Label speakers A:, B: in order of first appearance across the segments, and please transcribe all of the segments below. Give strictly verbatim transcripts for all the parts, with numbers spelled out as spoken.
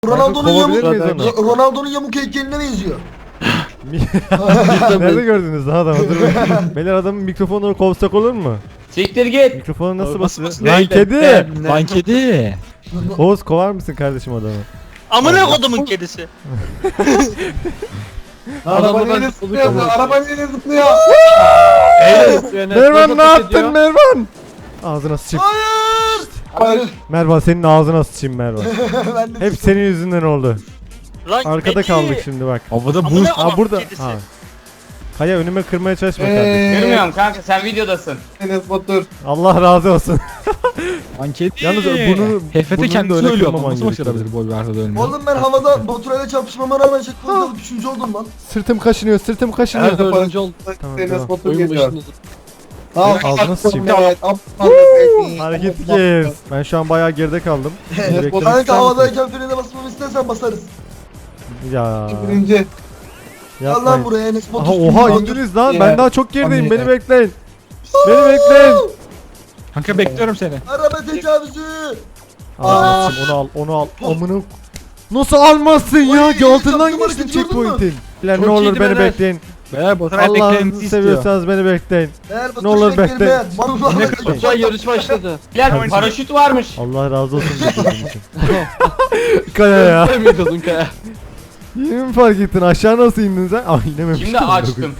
A: Ronaldo'nun
B: Kovabilir
A: yamuk,
B: miyiz onu?
A: Ronaldo'nun yamuk heykeline benziyor.
B: Nerede gördünüz lan adamı? Dur bakayım. Beyler adamın mikrofonunu kovsak olur mu?
C: Siktir git.
B: Mikrofonu nasıl
D: Nasıl
B: basıyor?
D: basıyor?
B: Lan kedi!
D: Lan kedi.
B: Oğuz kovar mısın kardeşim adamı?
C: Amına kodumun kedisi.
A: Araba neyle zıplıyor? Araba neyle zıplıyor?
B: Mervan ne yaptın Mervan? Ağzına sıçayım.
A: Hayır! Hayır.
B: Mervan senin ağzına sıçayım Mervan.
A: Ben de
B: Hep senin yüzünden oldu.
C: Lan
B: Arkada
C: kedi.
B: kaldık şimdi bak.
D: Havada
C: Amına
D: buz.
B: Ha
C: kodumun
B: burada.
C: kedisi.
B: Ha. Kaya önüme kırmaya çalışma
A: Ee,
B: kardeşim.
C: Görmüyorum kanka, sen videodasın.
A: Enes Batur.
B: Allah razı olsun.
D: Lan kedi.
B: Yalnız bunu
D: Hefete
B: burnunu da
D: kendisi
B: öyle
D: ölüyor.
B: kırmaman
D: Nasıl
B: gerekiyor.
D: başarabilir bu Alberto ölmüyor?
A: Oğlum ben havada Baturay'la çarpışmama rağmen checkpoint'ta üçüncü oldum lan.
B: Sırtım kaşınıyor, sırtım kaşınıyor.
A: Her dördüncü
B: oldu. Tamam,
A: Enes
B: tamam.
A: Batur geliyor. Al,
B: Ağzına sıçayım.
A: Evet,
B: Hareket kes. Ben şu an bayağı geride kaldım. Beklemek ister
A: Kanka
B: misin?
A: havadayken frene basmamı istersen basarız.
B: Ya.
A: Birinci. Gel lan
B: Yapmayın.
A: buraya Enes Batur.
B: Aha oha indiniz lan. Ben daha çok gerideyim.
A: Hadi.
B: Beni bekleyin. Beni bekleyin.
D: Kanka bekliyorum seni.
A: Araba tecavüzü.
B: Aa, onu al, onu al. Amına. Nasıl almazsın ya?
A: Oy,
B: Altından
A: yaptım
B: geçtin
A: hareketi, gördün mü?
B: checkpoint'in. Lan
D: Çok
B: ne olur
D: iyiydi
B: beni
D: beyler.
B: bekleyin.
D: Beyler Baturay
B: Allah'ını
D: beklemenizi istiyor.
B: seviyorsanız beni bekleyin.
A: Eğer
B: Ne olur bekle.
D: Ne kadar
E: yarış başladı.
C: Biler paraşüt varmış.
B: Allah razı olsun dediğin için. Kaya ya.
E: Demiyordun Kaya.
B: Yeni mi fark ettin? Aşağı nasıl indin sen? Ay inememiştim.
C: Şimdi açtım.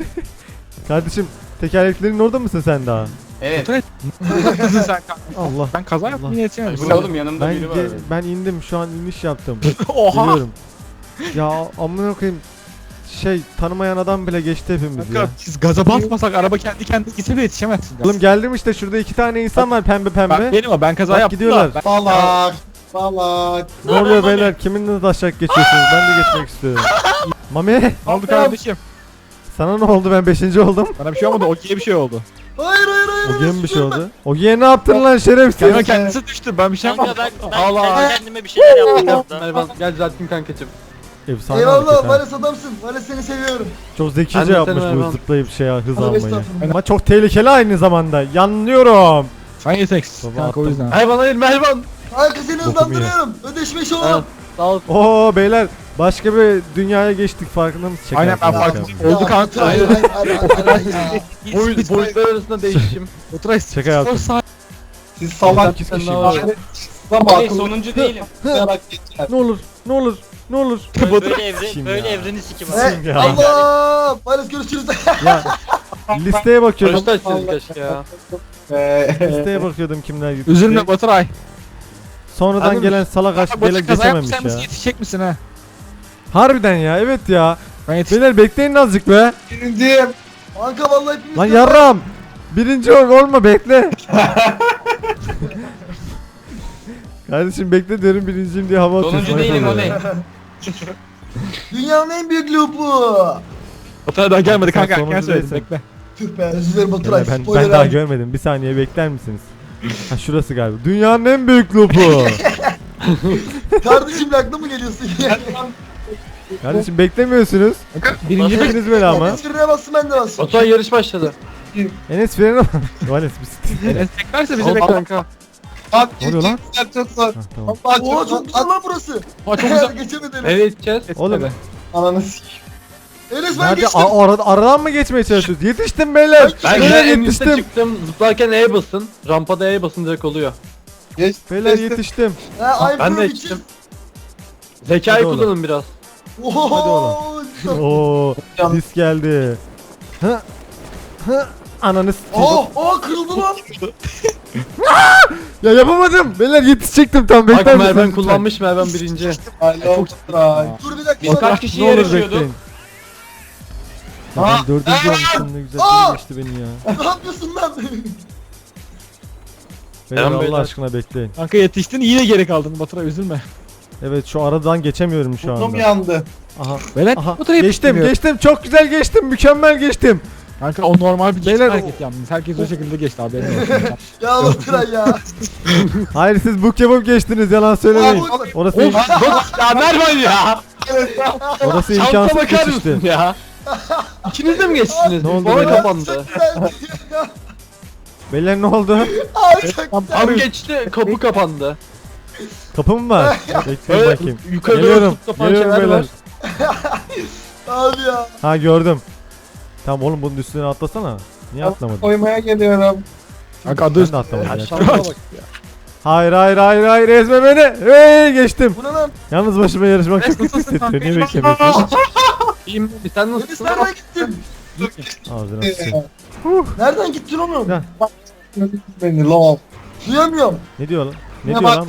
B: Kardeşim tekerleklerin orada mısın sen daha?
C: Evet.
D: Baturay ne yaptın sen kanka?
B: Allah.
D: Ben kaza yaptım yine yetişemedim.
C: Bu ne oğlum, yanımda
B: Ben
C: biri var.
B: ge- ben indim şu an iniş yaptım.
D: Oha.
B: Biliyorum. Ya amına koyayım. Şey tanımayan adam bile geçti hepimiz ya.
D: Kanka siz gaza basmasak araba kendi kendine gitse de yetişemezsin.
B: Oğlum geldim işte şurada iki tane insan var pembe
D: Ben,
B: pembe.
D: benim o ben kaza
B: Bak
D: yaptım
B: gidiyorlar.
D: da. Ben,
A: Salak. Salak.
B: Ne oluyor beyler? Kiminle taşak geçiyorsunuz? Ben de geçmek istiyorum. Mami
D: ne oldu kardeşim?
B: sana ne oldu? Ben beşinci oldum.
D: Bana bir şey olmadı. Ogi'ye bir şey oldu.
A: Hayır hayır hayır.
B: Ogi'ye mi bir şey oldu? Ogi'ye ne yaptın lan şerefsiz?
D: Kanka kendisi düştü. Ben bir şey
C: Kanka
D: yapmadım.
C: ben, ben
E: Allah.
C: kendi kendime bir şeyler yaptım orada.
E: Mervan gel düzelttim kankacım.
B: Efsane hareket
A: Eyvallah
B: ha.
A: Vales adamsın. Vales seni seviyorum.
B: Çok
E: Ben
B: zekice
E: de
B: yapmış
E: seni
B: bu
E: Mervan.
B: zıplayıp şey hız
A: Hadi
B: almayı.
A: estağfurullah.
B: Ama çok tehlikeli aynı zamanda. Yanlıyorum.
D: Sen yeteksiz
B: Baba
D: kanka o
B: attım.
D: yüzden.
E: Mervan hayır Mervan.
A: Kanka seni
B: Bokumu
A: hızlandırıyorum. Ödeşmiş
E: Ha,
A: olalım.
E: sağ ol.
B: Oo beyler başka bir dünyaya geçtik farkında mısın? Şaka
D: Aynen, ben
B: yapıyorum,
D: farkındayım.
B: şaka
D: Oldu kanka.
A: Hayır hayır hayır hayır hayır.
E: Boy, boyutlar arasında değişim.
D: Baturay
B: Şaka yaptım.
A: Siz salak.
B: sekiz
E: Sen
B: kişi.
E: ne var?
A: Ama
C: Hey,
A: akıllı
C: sonuncu değilim.
A: yarak geçer.
B: Ne olur ne olur ne olur.
C: Böyle, böyle evre,
B: Kim
C: böyle
B: ya?
C: evreni sikim.
A: He,
B: ya.
A: Allah. Vales görüşürüz.
B: Ya listeye bakıyordum.
E: Kaçta açtınız keşke ya.
B: Listeye bakıyordum kimler gitti.
D: Üzülme Baturay.
B: Sonradan
D: Anladın
B: gelen salak aşk
D: Baturay
B: bile
D: kaza
B: geçememiş
D: yapmışsan
B: ya.
D: nasıl yetişecek misin ha?
B: Harbiden ya evet ya.
D: Ben yetiştim.
B: Beyler bekleyin azıcık be.
A: Birinciyim. Kanka vallahi hepimiz.
B: Lan yarram. Birinci ol olma bekle. Kardeşim bekle diyorum birinciyim diye hava atıyorsun.
C: Sonuncu değilim o ne?
A: Dünyanın en büyük lupu.
D: Baturay daha gelmedi
B: Sen
D: kanka.
B: sonuncu
D: Erken söyledim
B: değilsin.
D: bekle.
A: Tüh be özür dilerim Baturay.
B: Beyler, ben,
A: Spoiler
B: ben daha
A: verdim.
B: görmedim. Bir saniye bekler misiniz? Ha şurası galiba. Dünyanın en büyük lupu.
A: Kardeşim aklı mı geliyorsun ya?
B: Kardeşim beklemiyorsunuz.
D: Birinci
B: Birinci beni ama.
A: Enes frene bassın ben de bassın.
E: Baturay yarış başladı.
B: Enes freni bak. Enes bir
D: Enes beklerse bizi
E: Al
D: bekler.
E: kanka.
A: Abi
B: Ne oluyor lan?
A: geçecekler çok zor.
B: Ha, tamam.
A: Allah çok, çok güzel lan burası.
D: Aa, çok güzel.
A: Geçemedim.
E: Nereye gideceğiz?
B: Oğlum
A: Ananı sikeyim. Enes ben
B: nerede?
A: geçtim.
B: A- arada, aradan mı geçmeye çalışıyoruz? Yetiştim beyler.
E: Ben
B: Beyler
E: de en üstte
B: yetiştim.
E: çıktım. Zıplarken E'ye basın. Rampada E'ye basın direkt oluyor.
A: Geç,
B: Beyler
A: geçtim.
B: yetiştim.
A: Ha, I
E: Ben de
A: prove
E: geçtim.
A: bitches.
E: Zekayı
B: Hadi oğlum.
E: kullanın biraz.
A: Oho.
B: Oo, dis geldi. Hı? Hı? Ananı s**eyim.
A: Oh, oh kırıldı lan.
B: Ya yapamadım. Beyler yetişecektim tam bekler
E: Bak
B: misiniz
E: Mervan
B: lütfen?
E: kullanmış Mervan birinci.
A: Alo. Baturay. Dur bir dakika.
C: Biz kaç kişi
B: Ne olur
C: yarışıyorduk?
B: bekleyin. Ya
A: Aa!
B: ben dördüncü olmuşum ne güzel
A: Aa!
B: geçti beni ya.
A: Ne yapıyorsun lan?
B: Beyler
E: Selam
B: Allah
E: beyler.
B: aşkına bekleyin.
D: Kanka yetiştin yine geri kaldın Baturay üzülme.
B: Evet şu aradan geçemiyorum şu
A: Burnum
B: anda.
A: yandı.
B: Aha.
D: Beyler
B: Aha.
D: Baturay
B: Geçtim
D: yetişmiyor.
B: geçtim çok güzel geçtim mükemmel geçtim.
D: Kanka o normal bir
B: Beyler,
D: Beyler,
B: o-
D: hareket yalnız. Herkes o şekilde geçti abi. benim olsun.
A: Ya Baturay ya.
B: Hayır siz bu kebap geçtiniz yalan söylemeyin.
A: Aa, bu-
B: Orası
E: Of bak ya Mervan ya.
B: orası
E: Şansa
B: imkansız
E: bakar
B: geçişti.
E: mısın ya? İkiniz de mi geçtiniz?
B: Ne oldu
E: Bana
B: beyler?
E: kapandı.
B: Beyler ne oldu?
A: Ay çok
E: Tam geçti kapı kapandı.
B: Kapı mı var? Bekleyin
E: Evet,
B: bakayım.
E: yukarı doğru
B: Geliyorum.
E: tut yapan
B: Geliyorum
E: şeyler
B: beyler.
E: var.
A: Abi ya.
B: Ha gördüm. Tamam oğlum bunun üstüne atlasana. Niye atlamadın?
F: Koymaya geliyorum.
D: Kanka adı
B: Ben de
D: üstü.
B: atlamadım ya.
E: Aşağıya bak.
B: Hayır hayır hayır hayır ezme beni. Hey geçtim.
A: Bu ne lan?
B: Yalnız başıma yarışmak çok kötü hissettiriyor. Niye beklemiyorsun?
E: İyiyim mi? Sen
A: Enes
E: nasılsın?
A: nereden gittin?
B: Ağzına sıçayım.
A: Nereden gittin oğlum?
B: Ya.
F: Beni lol.
A: Duyamıyorum.
B: Ne diyor lan? Ne
F: Ne
B: diyor
F: bak-
B: lan?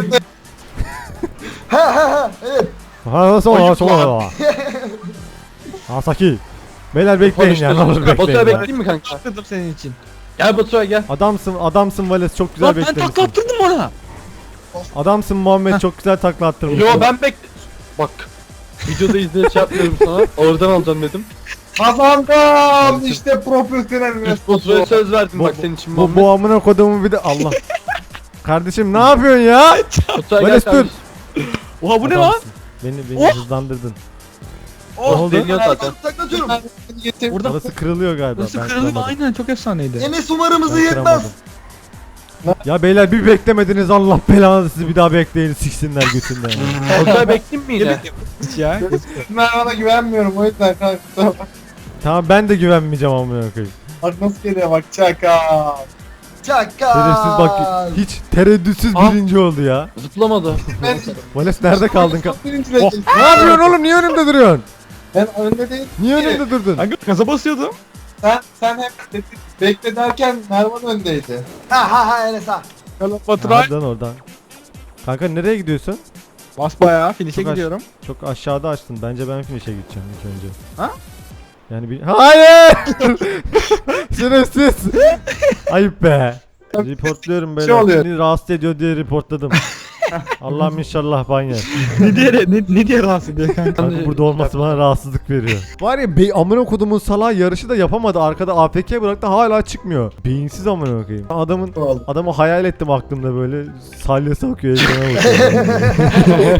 A: He he he. Evet.
B: Ha nasıl olur nasıl olur. Asaki. Beyler bekleyin ya ne olur
E: Baturay
B: bekleyin ya.
E: bekleyeyim mi kanka?
D: Atladım senin için.
E: Gel Baturay gel.
B: Adamsın adamsın Vales çok güzel
D: Lan ben
B: beklemişsin.
D: takla attırdım ona.
B: Adamsın Muhammed çok güzel takla attırmışsın.
E: Yo ben bekle... Bak. Videoda izleyip şey yapmıyorum sana. Oradan alacağım dedim.
F: Kazandım. İşte profesyonel
E: Baturay'a söz verdim
B: Bu,
E: bak senin için
B: bu,
E: Muhammed.
B: bu amına kodumu bir de Allah. Kardeşim ne yapıyorsun ya?
E: Baturay gel
B: Vales dur.
E: kardeşim.
D: Oha bu ne lan?
B: Adamsın. Beni beni hızlandırdın. Ne oldu?
E: Deniyor zaten.
A: Taklatıyorum.
F: Getir.
D: Burada
B: Orası kırılıyor galiba.
D: burası
B: ben
D: kırılıyor
B: kıramadım.
D: aynen çok efsaneydi.
A: Enes umarımızı
B: Ben
A: yetmez.
B: kıramadım. Ya beyler bir beklemediniz Allah belanızı sizi bir daha bekleyin siksinler götünden.
E: Baturay bekleyeyim mi yine?
D: Hiç ya.
F: Mervan'a güvenmiyorum o yüzden kanka.
B: Tamam ben de güvenmeyeceğim amına koyayım.
F: Bak nasıl geliyor bak çaka.
A: Çakal.
B: Şerefsiz bak hiç tereddütsüz
E: Ah.
B: birinci oldu ya.
E: Zıplamadı.
F: Ben
B: Vales nerede kaldın? Ka-
F: birinciyle
B: Oh, ne yapıyorsun oğlum niye önümde duruyorsun?
F: Ben önde değil.
B: Niye önümde durdun?
D: Kanka gaza basıyordum.
F: Sen sen hep dedi- bekle derken Mervan öndeydi.
A: Ha ha ha Enes ha.
D: Yalan Baturay.
B: Oradan oradan. Kanka nereye gidiyorsun?
D: Bas bayağı finish'e
B: Çok aç-
D: gidiyorum.
B: Çok aşağıda açtın. Bence ben finish'e gideceğim ilk önce.
D: Ha?
B: Yani bir... Hayır! Şerefsiz! Ayıp be. Reportluyorum böyle.
F: Şey oluyor.
B: Seni rahatsız ediyor diye reportladım. Allah'ım inşallah ban yer.
D: ne diye ne, ne diye rahatsız ediyor kanka?
B: Kanka burada olması bana rahatsızlık veriyor. Var ya bey amına kodumun salağı yarışı da yapamadı. Arkada A F K bıraktı hala çıkmıyor. Beyinsiz amına koyayım. Adamın
F: Oldu.
B: adamı hayal ettim aklımda böyle salyası akıyor ekrana bakıyor.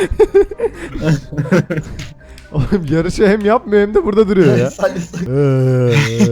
B: Oğlum yarışı hem yapmıyor hem de burada duruyor ya. Eee.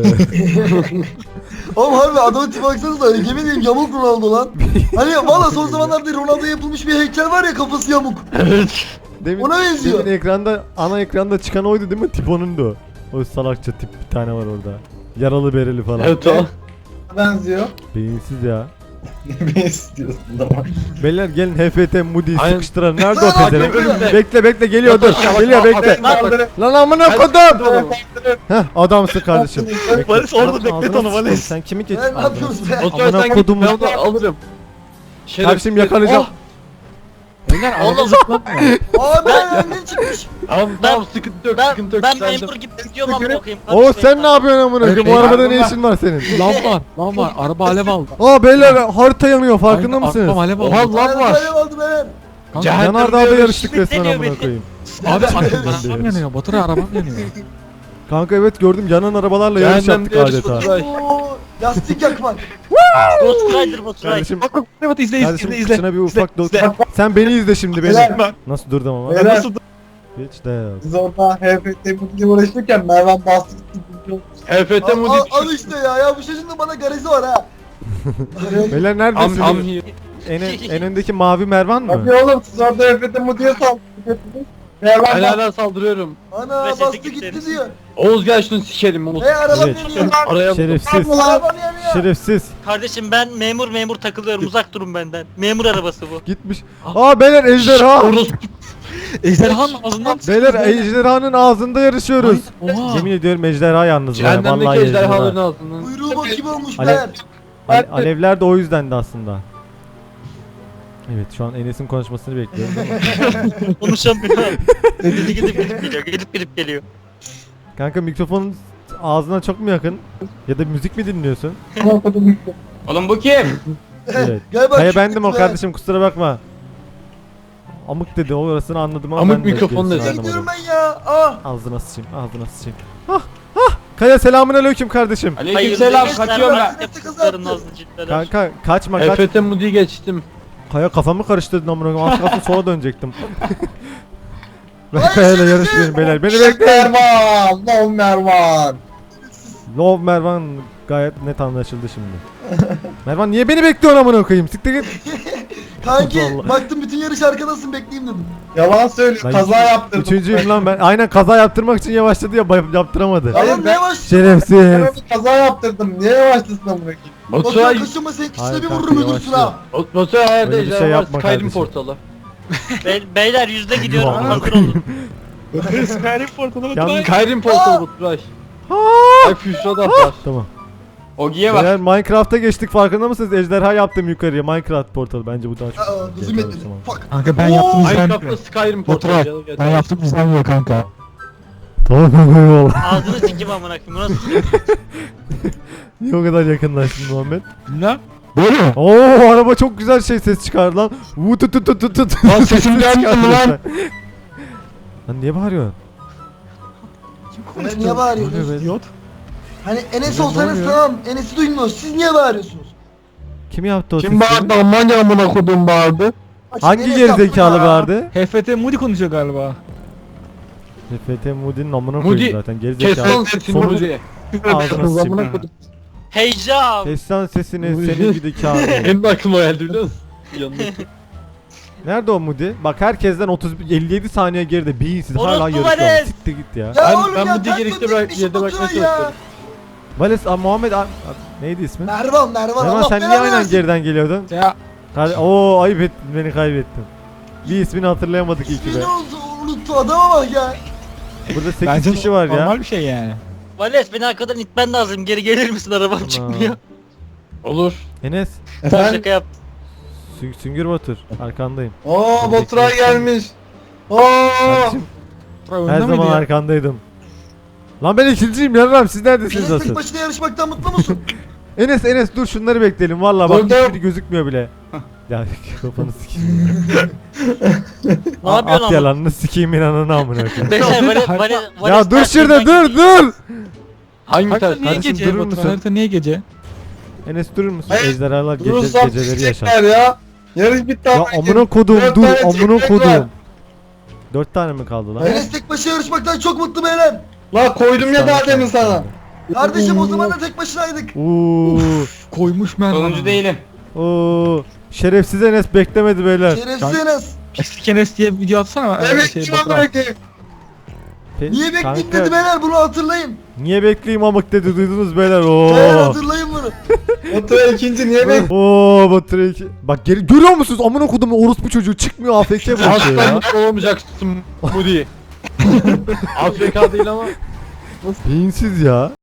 A: Oğlum harbi adamın tipi baksanıza öyle yemin ederim yamuk Ronaldo lan. Hani valla son zamanlarda Ronaldo'ya yapılmış bir heykel var ya kafası yamuk.
B: Demin,
A: Ona benziyor.
B: demin ekranda ana ekranda çıkan oydu değil mi? Tip onun da o. O salakça tip bir tane var orada. Yaralı bereli falan.
E: Evet o.
F: Benziyor.
B: Beyinsiz ya.
F: Ne istiyorsun ama?
B: Beyler gelin H F T Moody'yi
E: Aynen.
B: sıkıştıran. Nerede o
A: Aa,
B: pezevenk?
E: önümde.
B: Bekle bekle geliyor dur. Geliyor bekle.
F: Kaldırın.
B: Lan amına kodum.
F: Kaldırın.
B: Heh adamsın kardeşim. Bekle.
D: Vales orada
B: Ağzına
D: beklet
B: sıçayım.
D: onu, Vales.
B: Sen kimi geç?
A: Ben ne yapıyoruz be?
E: Baturay
B: Amına
E: sen git
B: kodumun-
E: ben onu alırım.
B: Kardeşim yakalayacağım.
D: Beyler araba zıplamıyor.
A: Aa ben önden çıkmış.
E: Tamam tamam sıkıntı yok
C: Ben,
E: sıkıntı yok.
C: ben
E: Sen de-
C: memur gibi gidiyorum ama bakayım.
B: Oo sen ne yapıyorsun amına koyayım? Bu
D: Evet,
B: arabada
D: araba-
B: ne işin var senin?
D: Lan var, lan var. Araba alev aldı.
B: Aa beyler harita yanıyor farkında
D: Aynen,
B: mısınız?
D: Arabam alev aldı.
E: Oha lan var.
A: Ben aldım ben.
D: Kanka,
E: Cehennem
B: Yanardağ'da
E: diyor,
B: yarıştık resmen
C: Deniyor
B: amına
C: beni.
B: koyayım.
D: Abi arabam
B: diyoruz.
D: yanıyor. Baturay arabam yanıyor.
B: Kanka evet gördüm yanan arabalarla yarış
E: Cehennem
B: yaptık
E: diyoruz
B: adeta.
E: Baturay.
A: Oo, lastik yakmak.
C: Ghost Rider Ghost Rider.
B: Kardeşim,
D: Bak bak bak izle izle
B: kardeşim
D: izle izle.
B: kıçına bir ufak
D: izle,
B: dok.
D: izle.
B: Sen beni izle şimdi beni.
F: Beyler,
B: Nasıl durdum ama?
F: Beyler.
D: Nasıl
B: Hiç de yok.
F: Biz orada H F T Mutlu'yla uğraşırken Mervan bastı gitti.
E: H F T
A: Al,
E: Moody
A: al, al işte ya ya bu çocuğun da bana garezi var ha.
B: Beyler
E: Am
B: neredesiniz?
E: am
B: En, en öndeki mavi Mervan
F: Hadi
B: mı?
F: oğlum siz orada H F T Mutlu'ya saldırdınız. Mervan
E: Ben
F: bastı.
E: hala saldırıyorum.
A: Ana
C: Ve sesi
A: bastı
C: gitti.
A: gitti diyor.
E: Oğuz gel şunu sikelim Oğuz.
A: Hey arabam
B: Evet.
A: yanıyor.
E: Araya
B: Şerefsiz.
A: Arabam yanıyor.
B: Şerefsiz.
C: Kardeşim ben memur memur takılıyorum uzak durun benden. Memur arabası bu.
B: Gitmiş. Aa beyler ejderha.
E: Orospu.
D: Ejderhanın ağzından
B: Beyler ejderhanın ağzında yarışıyoruz.
D: Oha.
B: Yemin ediyorum ejderha yalnız var.
E: Cehennemdeki
B: Vallahi
E: ejderhaların
B: ejderha.
E: ağzından.
A: Kuyruğu bak gibi olmuş
B: Alev-
A: be.
B: Ale- alevler de o yüzdendi aslında. Evet şu an Enes'in konuşmasını bekliyorum.
C: Konuşamıyorum. Gidip gidip gidip geliyor. Gidip gidip geliyor.
B: Kanka mikrofonun ağzına çok mu yakın? Ya da müzik mi dinliyorsun?
C: Oğlum bu kim?
B: Evet.
A: Galiba
B: Hayır
A: küçük
B: bendim o
A: be.
B: kardeşim kusura bakma. Amık dedi orasını anladım ama
E: Amık
B: ben de
E: mikrofon
B: gerisini
E: dedi.
A: Ne gidiyorum
B: anlamadım.
A: ben ya? Ah.
B: Ağzına sıçayım ağzına sıçayım. Ah ah. Kaya selamun aleyküm kardeşim.
C: Aleykümselam kaçıyorum ben.
A: Nefes
C: Kızların
A: kızarttı.
C: nazlı ciltler.
B: Kanka kaçma
E: H
B: kaç.
E: F T Moody'yi geçtim.
B: Kaya kafamı karıştırdın amına koyayım. Az kalsın sola dönecektim. Ben
A: Ay,
B: Kaya'yla
A: şerefsiz.
B: yarışmıyorum beyler. Beni bekleyin.
F: Mervan. No Mervan.
B: Love Mervan gayet net anlaşıldı şimdi. Mervan niye beni bekliyorsun amına koyayım? Siktir git.
A: Kanki
B: Allah.
A: baktım bütün yarış arkadasın bekleyeyim dedim.
F: Yalan söylüyor.
B: Ben
F: Kaza yaptırdım.
B: Üçüncüyüm lan ben. Aynen kaza yaptırmak için yavaşladı ya bay- yaptıramadı.
F: Hayır,
A: Adam ne
F: ben-
A: yavaş?
B: Şerefsiz.
F: Ben bir kaza yaptırdım. Niye yavaşlasın amına koyayım?
A: Baturay
E: Baturay,
A: kaşınma senin
B: Hayır
A: kişine bir
B: kanka,
A: vururum öldürsün
B: yavaşlıyor.
A: ha.
E: Baturay hayalde
B: Öyle bir
E: ejder
B: şey
E: var,
B: yapma
E: Skyrim
B: kardeşim.
E: portalı.
C: Be- beyler yüzde gidiyorum
B: Vallahi.
C: hazır olun.
D: Skyrim portalı
B: Yalnız-
E: Skyrim portalı Baturay. Ay Füşra da var.
B: Tamam.
F: Ogi'ye bak.
B: Beyler Minecraft'a geçtik farkında mısınız? Ejderha yaptım yukarıya Minecraft portalı bence bu daha çok.
A: Aa gözüm
B: Yeter,
A: etmedi.
B: tamam.
A: Fuck.
D: Kanka ben
A: Oo,
D: yaptım
E: Minecraft'ta
D: izlenmiyor.
E: Skyrim portalı.
D: Baturay
E: canım,
D: ben
E: yeter.
D: yaptım izlenmiyor kanka.
B: Tamam kanka eyvallah.
C: Ağzını sikim amına koyayım. Bu nasıl?
B: Niye o kadar yakınlaştın Muhammed?
D: Ne? Böyle mi?
B: Oo araba çok güzel şey ses çıkardı lan. Vu tut tut tut tut tut.
D: Lan sesim
B: Ses
D: gelmiyor mu
B: çıkardı
D: lan?
B: resmen. Lan niye bağırıyorsun?
A: Ulan niye bağırıyorsunuz?
B: Oluyor be.
D: İdiot.
A: Hani Enes
B: Ne
A: olsanız
B: oluyor?
A: tamam. Enes'i duymuyoruz. Siz niye bağırıyorsunuz?
B: Kim yaptı o
F: Kim
B: sesi?
F: bağırdı? Almanya amına kodum bağırdı.
A: Açın,
B: Hangi
A: Enes
B: gerizekalı
A: yaptı ya.
B: bağırdı?
D: H F T Moody konuşuyor galiba.
B: F T Moody'nin amına
E: Moody,
B: koyayım zaten
E: Kes
B: gerizekalı.
E: lan sesini
B: Sonuç-
E: Moody.
B: Ağzına
F: Kız
B: sıçayım.
F: amına kodum.
C: Heyecan.
B: Kes lan sesini senin gibi kağıt.
E: Benim de aklıma geldi biliyor musun? Yanındaki.
B: Nerede o Moody? Bak herkesten otuz elli yedi saniye geride beyinsiz hala
C: Orospu
B: yarışıyor.
C: Vales!
B: Siktir git ya.
A: Ya
E: Ben-
A: oğlum
E: ben
A: ya
E: bu
A: ters
E: diğer işte
A: döndük
E: bırak-
A: bir
E: yerde
A: Baturay
E: bırakmaya
A: ya.
E: çalışıyorum.
B: Vales, a, Muhammed, a, a- neydi ismi?
A: Mervan Mervan
B: Mervan
A: Allah
B: sen niye
A: belanı
B: aynen
A: versin.
B: geriden geliyordun?
D: Ya
B: Kar- Oo ayıp ettin beni kaybettin. Bir ismini hatırlayamadık iyi ki be.
A: İsmini unuttu, unuttu adama bak ya.
B: Burada sekiz
D: bence
B: kişi var ya.
D: normal bir şey yani.
C: Vales beni arkadan itmen lazım. Geri gelir misin arabam çıkmıyor.
E: Olur.
B: Enes,
A: Efendim?
C: Şaka yaptım.
B: Sü- Süngür Batur arkandayım.
F: Oo Baturay gelmiş. Oo.
B: Kardeşim
D: Baturay
B: her
D: önde miydi
B: zaman
D: ya?
B: arkandaydım. Lan ben ikinciyim yarram siz neredesiniz
A: Enes tek
B: asıl?
A: başına yarışmaktan mutlu musun?
B: Enes Enes dur şunları bekleyelim valla bak
F: Dur, dur.
B: hiçbiri gözükmüyor bile. Ya kafanı sikeyim.
C: Ne yapıyorsun
B: At
C: ama?
B: yalanını sikeyim inanını amına koyayım.
C: Beyler Vales Vales
B: Ya dur şurada dur dur.
E: Hangi
D: Harita
E: ters?
D: niye
B: Kardeşim,
D: gece
B: durur
D: Baturay?
B: musun?
D: Harita niye gece?
B: Enes durur musun?
F: Hayır,
B: Ejderhalar gece,
F: Durursam
B: geceleri yaşar.
F: çekecekler ya. Yarış bitti
B: Ya
F: ama.
B: amına kodum
F: Dört
B: dur
F: tane
B: amına
F: çekmek
B: kodum.
F: var.
B: Dört tane mi kaldı lan?
A: Enes tek başına yarışmaktan çok mutlu beyler.
F: La koydum ya daha demin sana.
A: Kardeşim o zaman da tek başınaydık.
B: Uuu.
D: Koymuş Mervan.
F: Sonuncu değilim.
B: Oo. Şerefsiz Enes beklemedi beyler.
A: Şerefsiz Enes.
D: Eski Enes diye bir video atsana.
F: Evet
D: şey,
F: kim
D: Baturay.
F: amına koyayım?
B: Pe-
A: Niye bekleyeyim
B: Kanka,
A: dedi beyler bunu hatırlayın.
B: Niye bekleyeyim amık dedi duydunuz beyler.
A: Beyler
B: Oo.
A: hatırlayın bunu.
F: Baturay ikinci niye bek?
B: Oo Batur iki. Bak geri görüyor musunuz amına kodumu orospu çocuğu çıkmıyor A F K bırakıyor ya.
E: Aslan olamayacaksın Moody. A F K değil ama.
B: Beyinsiz ya.